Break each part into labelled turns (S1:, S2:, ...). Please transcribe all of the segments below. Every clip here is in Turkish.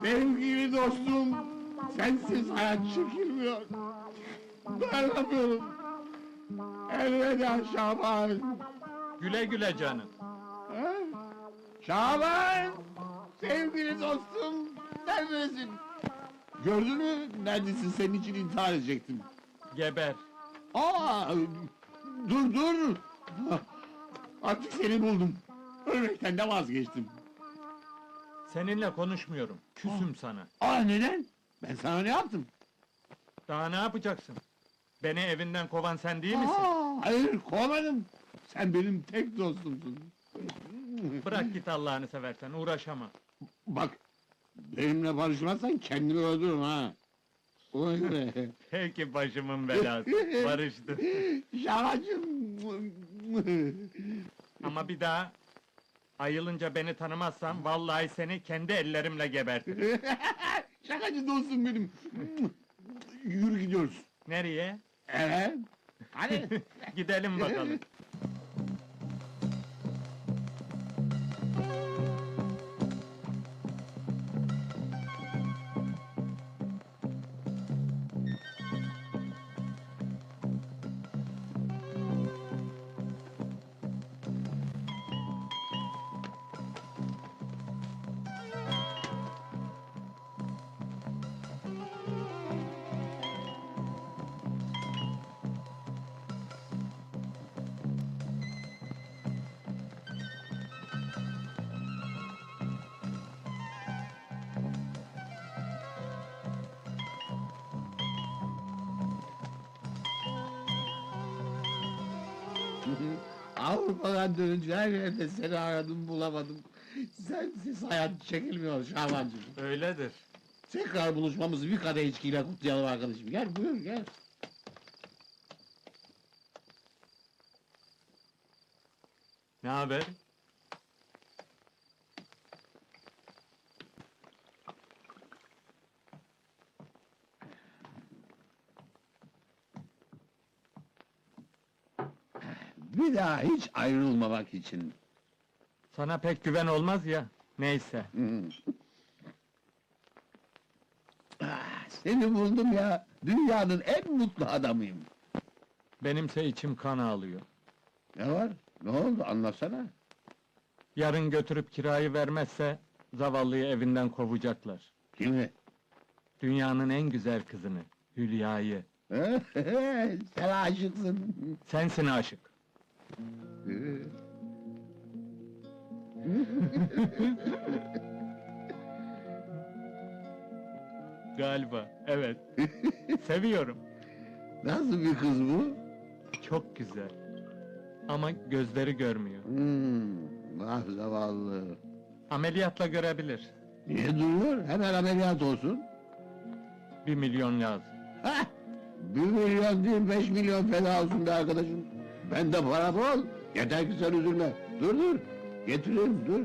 S1: Sevgili dostum, sensiz hayat çekilmiyor. Dayanamıyorum. Elveda Şaban.
S2: Güle güle canım.
S1: Ha? Şaban! Sevgili dostum, neredesin? Gördün mü? Neredesin? Senin için intihar edecektim.
S2: Geber.
S1: Aa! Dur! Artık seni buldum. Ölmekten de vazgeçtim.
S2: Seninle konuşmuyorum. Küsüm sana.
S1: Neden? Ben sana ne yaptım?
S2: Daha ne yapacaksın? Beni evinden kovan sen değil misin?
S1: Hayır, kovmadım. Sen benim tek dostumsun.
S2: Bırak git Allah'ını seversen, uğraşama.
S1: Bak, benimle barışmazsan kendimi öldürürüm ha. Ona göre.
S2: Peki başımın belası. Barıştı.
S1: Şaracım.
S2: Ama bir daha ayılınca beni tanımazsan vallahi seni kendi ellerimle gebertirim.
S1: Şakacı dostum benim. Yürü gidiyoruz.
S2: Nereye?
S1: Evet. Hadi.
S2: Gidelim bakalım.
S1: Avrupa'dan dönünce her yerde seni aradım bulamadım. Sensiz hayat çekilmiyor Şabancığım.
S2: Öyledir.
S1: Tekrar buluşmamızı bir kadeh içkiyle kutlayalım arkadaşım. Gel buyur gel.
S2: Ne haber?
S1: Bir daha hiç ayrılmamak için.
S2: Sana pek güven olmaz ya. Neyse.
S1: Seni buldum ya. Dünyanın en mutlu adamıyım.
S2: Benimse içim kan ağlıyor.
S1: Ne var? Ne oldu? Anlatsana.
S2: Yarın götürüp kirayı vermezse zavallıyı evinden kovacaklar.
S1: Kimi?
S2: Dünyanın en güzel kızını, Hülya'yı.
S1: Sen aşıksın.
S2: Sensin aşık. Galiba, evet. Seviyorum.
S1: Nasıl bir kız bu?
S2: Çok güzel. Ama gözleri görmüyor.
S1: Ah zavallı.
S2: Ameliyatla görebilir.
S1: Niye duruyor? Hemen ameliyat olsun.
S2: 1 milyon lazım.
S1: Hah! 1 milyon değil 5 milyon feda olsun be arkadaşım. Bende para bol. Yeter ki sen üzülme. Dur. Getireyim dur.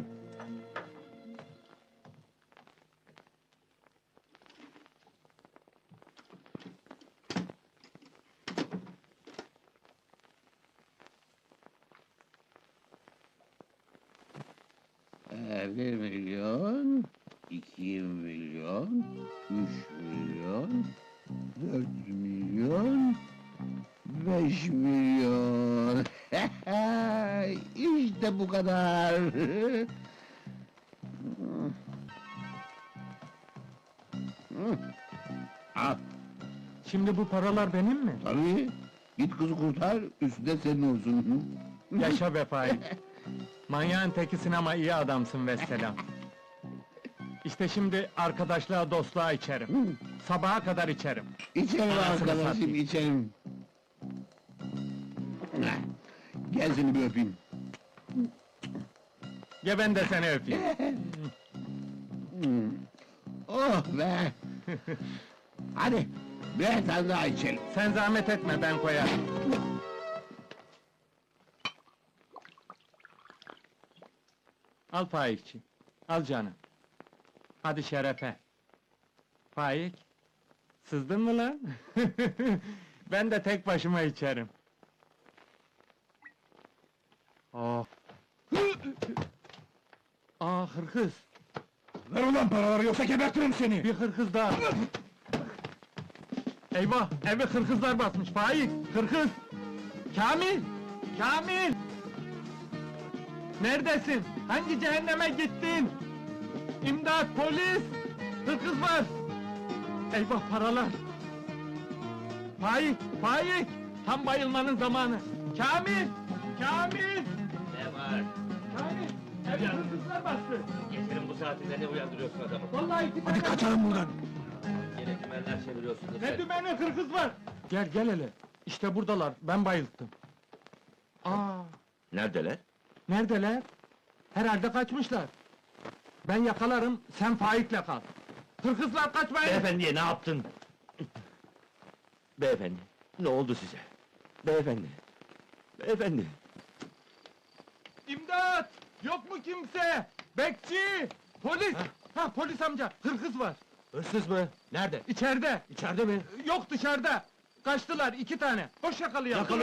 S1: Bir milyon, 2 milyon, 3 milyon, 4 milyon, 5 milyon. İşte bu kadar. Al,
S2: Şimdi bu paralar benim mi?
S1: tabii. Git kızı kurtar, üstü de senin olsun.
S2: Yaşa be Faik. Manyağın tekisin ama iyi adamsın vesselam. İşte şimdi arkadaşlığa dostluğa içerim. Sabaha kadar içerim.
S1: İçerim
S2: Anasını
S1: arkadaşım,
S2: satayım.
S1: içerim. Gel seni bir öpeyim.
S2: Ya ben de seni öpeyim.
S1: Oh be! Hadi, bir tane daha içelim.
S2: Sen zahmet etme ben koyarım. Al Faikçi. Al canım. Hadi şerefe. Faik. Sızdın mı lan? Ben de tek başıma içerim. Oh. Hırkız.
S3: Ver ulan paraları yoksa gebertirim seni!
S2: Bir hırkız daha! Eyvah! Evi hırkızlar basmış, Faik! Hırkız! Kamil! Kamil! Neredesin? Hangi cehenneme gittin? İmdat, polis! Hırkız var! Eyvah, paralar! Faik! Faik! Tam bayılmanın zamanı! Kamil! Kamil!
S4: Ne var?
S2: Kamil! Evi hırkızlar bastı!
S4: Gecenin bu saatinde ne uyandırıyorsun adamı?
S2: Vallahi iki
S3: Hadi
S2: tane-
S3: kaçalım buradan!
S4: Yine dümenler çeviriyorsunuz.
S2: Ne dümeni hırkız var? Gel gel hele. İşte buradalar. Ben bayılttım. Aa,
S4: Neredeler?
S2: neredeler? Herhalde kaçmışlar. Ben yakalarım, sen Faik'le kal. Hırkızlar kaçmayın!
S4: Beyefendiye ne yaptın? Beyefendi, ne oldu size? Beyefendi, beyefendi.
S2: İmdat! Yok mu kimse? Bekçi! Polis! Ha polis amca, hırkız var.
S4: Hırsız mı? Nerede?
S2: İçeride.
S4: İçeride mi?
S2: Yok dışarıda. Kaçtılar iki tane. Hoş yakalayalım.